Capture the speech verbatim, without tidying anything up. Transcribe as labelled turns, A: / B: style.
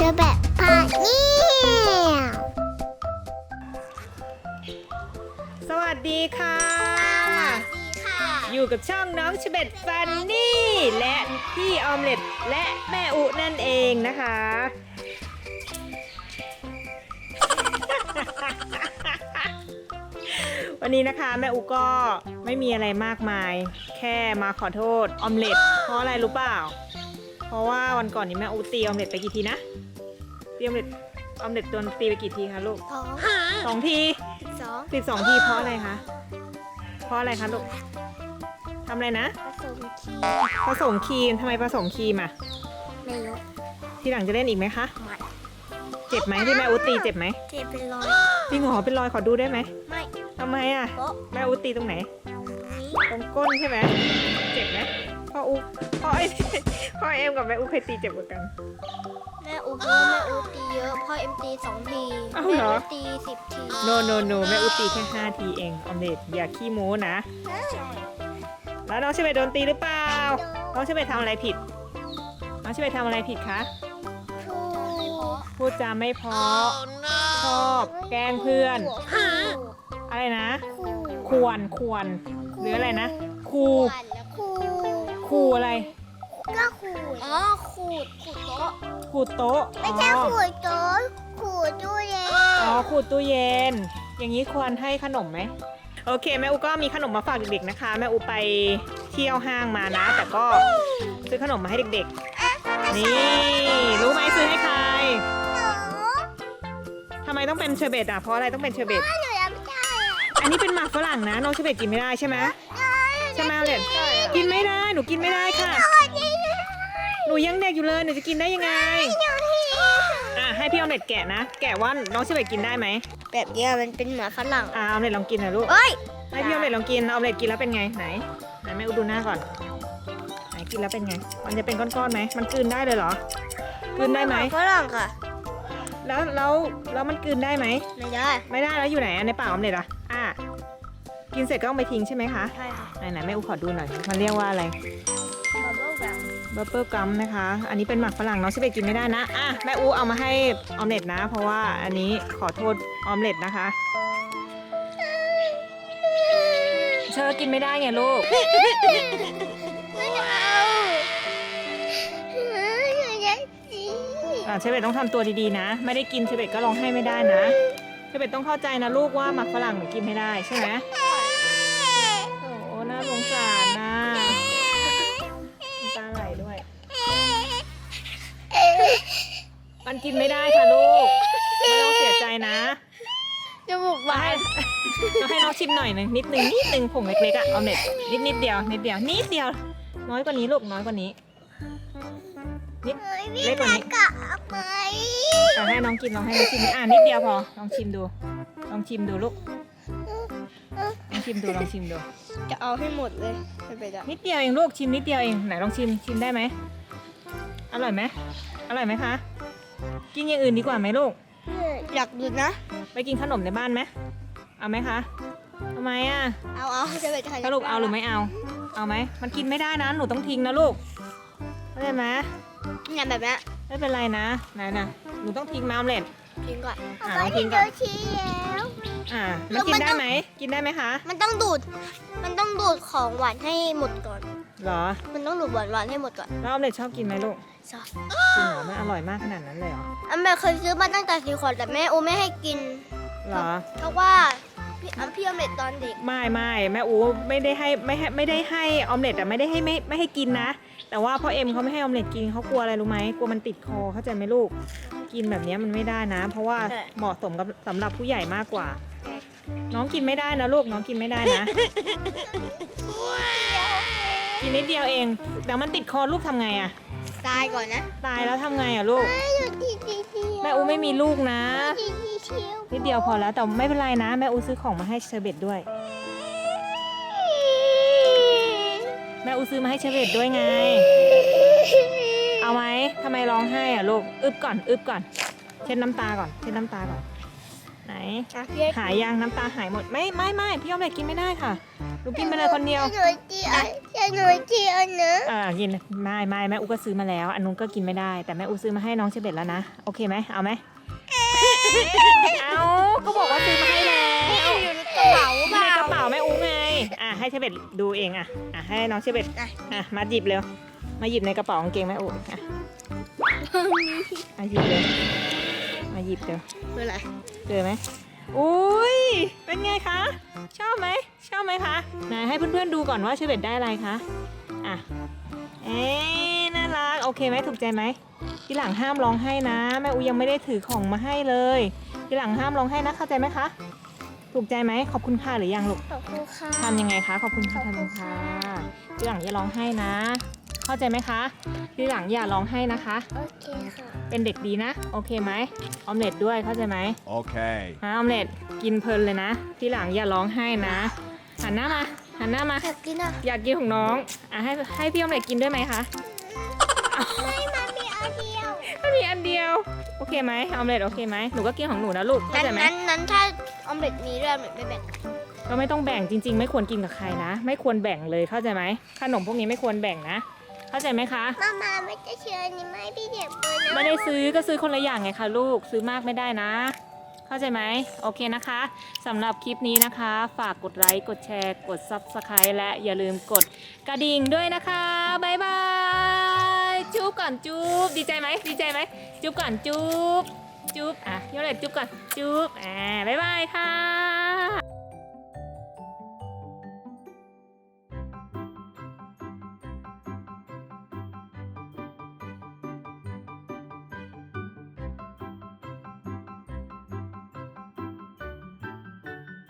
A: อแบบพาเนี่ย
B: สวัสดีค่ะ
A: ดีค่ะ
B: อยู่กับช่องน้องเชเบตฟันนี่และพี่ออมเล็ตและแม่อุนั่นเองนะคะ วันนี้นะคะแม่อุก็ไม่มีอะไรมากมาย แค่มาขอโทษออมเล็ตเพราะอะไรรู้เปล่า เพราะว่าวันก่อนนี้แม่อุตีออมเล็ตไปกี่ทีนะตีออมเล็ตออมเล็ตโดนตีไปกี่ทีคะลูก
A: สอง
B: สองที
A: สอง
B: สิบสองทีเพราะอะไรคะเพราะอะไรคะลูกทำอะไรนะ
A: ผสมคี
B: ผสมครีมทำไมผสมครีมอ่ะ
A: ไม่รู้
B: ทีหลังจะเล่นอีกไหมคะ
A: มัน
B: เจ็บไหมที่แม่อุตีเจ็บไหม
A: เจ็บเป็นรอย
B: จริงเหรอเป็นรอยขอดูได้ไหม
A: ไม่
B: ทำไมอ่ะ
A: โป๊ะ
B: แม่อุตีตรงไหน
A: นี้
B: ตรงก้นใช่ไหมเจ็บไหมพ่ออุพ่อไอ พ่อเอ็มกับแม่อุเคยตีเจ็บกว่ากัน
A: แม่อูพูแม่อูตีเยอะพ่อเอ็มตีสองที
B: อ้าว
A: แม่
B: เหรอ
A: อูตีสิบที
B: no no no แม่อุตีแค่ห้าทีเองออมเล็ตอย่าขี้โม้นะ แล้วน้องเชเบตโดนตีหรือเปล่าน้องเชเบตทำอะไรผิดน้องเชเบตทำอะไรผิดคะ
A: ครู
B: พูดจาไม่เพราะชอบแกล้งเพื่อน อะไรนะ
A: ครู
B: ควรควรหรืออะไรนะครู
A: ครู
B: ครูอะไร
A: ก็ขูดอ๋อขูดขูดโต๊ะ
B: ขูดโต๊ะ
A: ไม่ใช่ขูดโต๊ะขูดตู้เย็น
B: อ๋อขูดตู้เย็น อย่างนี้ควรให้ขนมไหมโอเคแม่อูก็มีขนมมาฝากเด็กๆนะคะแม่อูไปเที่ยวห้างมานะ แต่ก็ซื้อขนมมาให้เด็กๆนี่รู้ไหมซื้อให้ใครทำไมต้องเป็นเชอร์เบตอ่ะเพราะอะไรต้องเป็นเชอร์เบต
A: หนูยังไม่ได้อะ
B: อันนี้เป็นหมากฝรั่งนะน้องเชอร์เบตกินไม่ได้ใช่ไหมใช่ไหมเอาเลยกินไม่ได้หนูกินไม่ได้ค่ะ หนูยังเด็กอยู่เลยหนูจะกินได้ยังไงอ่ะให้พี่ออมเล็ตแกะนะแกะว่าน้องเชอร์เบตกินได้ไหม
A: แบบเนี้ยมันเป็นหมาฝรั่ง
B: อ่ะออมเล็ตลองกินหน่อยลูก
A: เอ้ย
B: ให้พี่ออมเล็ตลองกินออมเล็ตกินแล้วเป็นไงไหนไหนแม่อุดดูหน้าก่อนไหนกินแล้วเป็นไง มันจะเป็นก้อนๆไหมมันกลืนได้เลยเหรอกลืนได้ไหม
A: ฝรั่งค่ะ
B: แล้วแล้วแล้วมันกลืนได้ไหม
A: ไม่ได้
B: ไม่ได้แล้วอยู่ไหนอ่ะในปากออมเล็ตอ่ะอ่ะกินเสร็จก็ต้องไปทิ้งใช่ไหมคะ
A: ใช่ค่ะ
B: ไหนไหนแม่อุขอดูหน่อยมันเรียกว่าอะไร
A: บับเบิ้ลแบม
B: บับเบิ้ลกัมนะคะ อันนี้เป็นหมักฝรั่งน้องชิเบตกินไม่ได้นะ อ่ะแม่อูเอามาให้ออมเล็ตนะ เพราะว่าอันนี้ขอโทษออมเล็ตนะคะ เชอกินไม่ได้ไงลูก
A: ไม่เอาอยากกิน
B: อ่ะเชเบตต้องทำตัวดีๆนะ ไม่ได้กินเชเบตก็ร้องไห้ไม่ได้นะเชเบตต้องเข้าใจนะลูกว่าหมักฝรั่งหนูกินไม่ได้ใช่ไหมโอ้โหน่าสงสารนะน้ำตาไหลด้วย มันกินไม่ได้ค่ะลูกไม่ต้องเสียใจนะ
A: จมูกบา
B: ให้
A: น
B: เราให้น้องชิมหน่อยหนึงนิดนึงนิดนึงผงเล็กๆอะเอาเน็ตนิดนิดเดียวนิดเดียวนิดเดียว น้อยกว่านี้ลูกน้อยกว่านี้นิดเล็กกว่านี้
A: กะไป
B: อ่ะให้น้องกินลองให้น้องชิมอ่ะนิดเดียวพอลองชิมดูลองชิมดูลูกลองชิมดูลองชิมดู
A: จะเอาให้หมดเลยไม่ไปได้
B: นิดเดียวเองลูกชิมนิดเดียวเองไหนลองชิมชิมได้ไหมอร่อยไหมอร่อยไหมคะกินอย่างอื่นดีกว่าไหมลูก
A: อยากดูนะ
B: ไปกินขนมในบ้านไหมเอาไหมคะทำไมอ่ะ
A: เอาเอาจะไปถ่าย
B: สรุปเอาหรือไม่เอา เอาไหม มันกินไม่ได้นะ หนูต้องทิ้งนะลูกเข้าใจไหม
A: เนี่ยแบบนี้
B: ไม่เป็นไรนะ ไหนนะหนูต้องทิ้งมาออมเล็ต
A: ทิ้งก่อน
B: อ่าลองทิ้งก่อน
A: ชี้แล้ว
B: อ่า มันกินได้ไหม กินได้ไหมคะ
A: มันต้องดูด มันต้องดูดของหวานให้หมดก่อน
B: เหรอ
A: มันต้องดูดหวานหวานๆให้หมดก่อน
B: แล้วออมเล็ตชอบกินไหมลูก
A: ชอบ
B: จริงเหรอมันอร่อยมากขนาดนั้นเลยเหรอ
A: อันแม่เคยซื้อมาตั้งแต่สี่ขวดแต่แม่โอไม่ให้กิน
B: เหรอ
A: เพราะว่าพี่อันพี่อเมริกตอนเด็ก
B: ไม่ไม่แม่อูไม่ได้ให้ไม่ให้ไม่ได้ให้ออมเล็ตอะไม่ได้ให้ไม่ไม่ให้กินนะ แต่ว่าพ่อเอ็มเขาไม่ให้ออมเล็ตกินเขากลัวอะไรรู้ไหมกลัวมันติดคอเข้าใจไหมลูก กินแบบนี้มันไม่ได้นะ เพราะว่าเหมาะสมกับสำหรับผู้ใหญ่มากกว่า น้องกินไม่ได้นะลูกน้องกินไม่ได้นะ กินนิดเดียวเองเดี๋ยวมันติดคอลูกทำไงอะ
A: ตายก่อนนะ
B: ตายแล้วทำไงอะลูกแม่อูไม่มีลูกนะนิดเดียวพอแล้วแต่ไม่เป็นไรนะแม่อูซื้อของมาให้เชอร์เบตด้วย แม่อูซื้อมาให้เชอร์เบตด้วยไง เอาไหมทำไมร้องไห้อะลูกอึบก่อนอึบก่อนเช็ดน้ำตาก่อนเช็ดน้ำตาก่อนไหน
A: อ่ะพี่ให้
B: หายยังน้ำตาหายหมดไม่ไม่ไม่พี่ออมเล็ตกินไม่ได้ค่ะหนูกินไปเลยคนเดียว
A: หนูจีอันหนูจีอันนะ
B: อ่ากินไม่ไม่แม่อูก็ซื้อมาแล้ว อันนู้นก็กินไม่ได้แต่แม่อูซื้อมาให้น้องเชเบตแล้วนะโอเคไหมเอาไหมเอาก็บอกว่าซื้อมาให้แล้ว
A: อยู่ในกระเป๋า
B: อยู่
A: เปล่า
B: ในกระเป๋าแม่อูไงอ่ะให้เชเบตดูเองอ่ะอ่ะให้น้องเชเบตอ่ะมาหยิบเร็วมาหยิบในกระเป๋ากางเกงแม่อูอ่ะมาหยิบเลยมาหยิบเร็ว
A: คืออะไร
B: เจอไหมอุ้ยเป็นไงคะชอบไหมชอบไหมคะไหนให้เพื่อนๆดูก่อนว่าเชเบตได้อะไรคะอ่ะเอ๊ะน่ารักโอเคไหมถูกใจไหมทีหลังห้ามร้องไห้นะแม่อูยังไม่ได้ถือของมาให้เลยทีหลังห้ามร้องไห้นะเข้าใจไหมคะถูกใจไหมขอบคุณค่ะหรือยังลูก
A: ขอบคุณค่ะ
B: ทำยังไงคะขอบคุณค่ะ
A: ขอบ
B: ทำ
A: คุ
B: ยั
A: ณ
B: ง
A: ค่ะ
B: ค่ะทีหลังอย่าร้องไห้นะ เข้าใจไหมคะทีหลังอย่าร้องไห้นะคะ
A: โอเคค่ะ
B: เป็นเด็กดีนะโอเคไหมออมเล็ตด้วยเข้าใจไหม
C: Okay.
B: ฮะออมเล็ตกินเพลินเลยนะทีหลังอย่าร้องไห้นะหันหน้ามาหันหน้ามา
A: อยากกินอ่ะ
B: อยากกินของน้องอ่ะให้ให้พี่ออมเล็ตกินด้วยไหมคะ
A: ไม่มามีอันเดียว
B: มันมีอันเดียวโอเคไหมออมเล็ตโอเคไหมหนูก็กินของหนูนะลูกเข้า
A: นั้น
B: ใจไหม
A: นั้นนั้นถ้าออมเล็ตมีด้วยออมเล็ตไม่แบ่ง
B: ก็ไม่ต้องแบ่งจริง ๆ ไม่ควรกินกับใครนะ ไม่ควรแบ่งเลยเข้าใจไหมขนมพวกนี้ไม่ควรแบ่งนะ เข้าใจไหมคะ
A: มามาไม่จะเชื่อนี่ไม่พี่เด็กเลยนะ
B: ไม่ได้ซื้อก็ซื้อคนละอย่างไงคะลูกซื้อมากไม่ได้นะ เข้าใจไหมโอเคนะคะสำหรับคลิปนี้นะคะ ฝากกดไลค์กดแชร์กด ซับสไครบ์ และอย่าลืมกดกระดิ่งด้วยนะคะบ๊ายบายจุ๊บก่อนจุ๊บดีใจไหมดีใจไหมจุ๊บก่อนจุ๊บจุ๊บอ่ะยกเลยจุ๊บก่อนจุ๊บอ่าบ๊ายบายค่ะ